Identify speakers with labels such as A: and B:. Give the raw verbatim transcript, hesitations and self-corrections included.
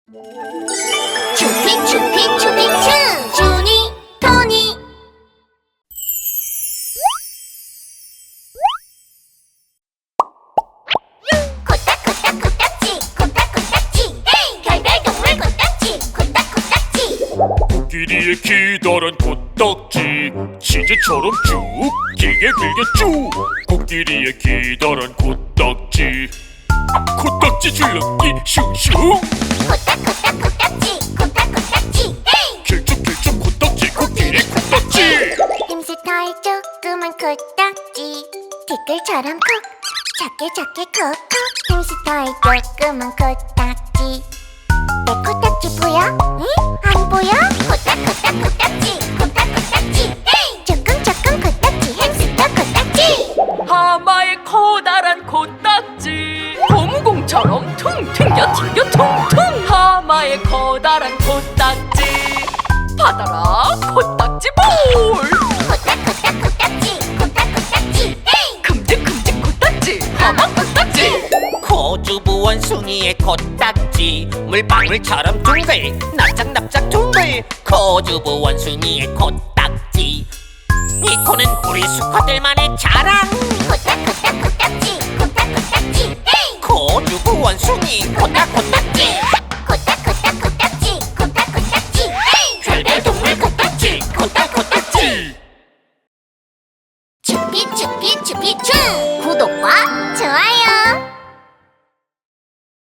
A: 추핑 추핑 추핑 추 주니 토니. 코딱코딱 코딱지 코딱코딱지 헤이 별별동물 코딱지 코딱코딱지.
B: 코끼리의 기다란 코딱지 치즈처럼 쭉 길게 길게 쭉. 코끼리의 기다란 코딱지 코딱지 줄넘기 슝슝.
A: 코딱코딱 코딱지 코딱코딱지 헤이
B: 길쭉길쭉 코딱지 코끼리 코딱지.
A: 햄스터의 조그만 코딱지 티끌처럼 콕 작게 작게 콕콕. 햄스터의 조그만 코딱지 내 코딱지 보여? 응? 안 보여? 코딱코딱 코딱지 코딱코딱지 헤이 조금 조금 코딱지 햄스터 코딱지.
C: 하마의 커다란 코딱지 고무공처럼 퉁 튕겨 튕겨 퉁퉁. 하마의 커다란 코딱지 받아라 코딱지 볼.
A: 코딱코딱 코딱지 코딱코딱지 헤이
C: 큼직큼직 코딱지 하마 코딱지.
D: 코주부 원숭이의 코딱지 물방울처럼 둥글 납작납작 둥글. 코주부 원숭이의 코딱지 이 코는 우리 수컷들만의 자랑.
A: 코딱코딱 코딱지 코딱코딱지 헤이
D: 코주부 원숭이 코딱코딱지.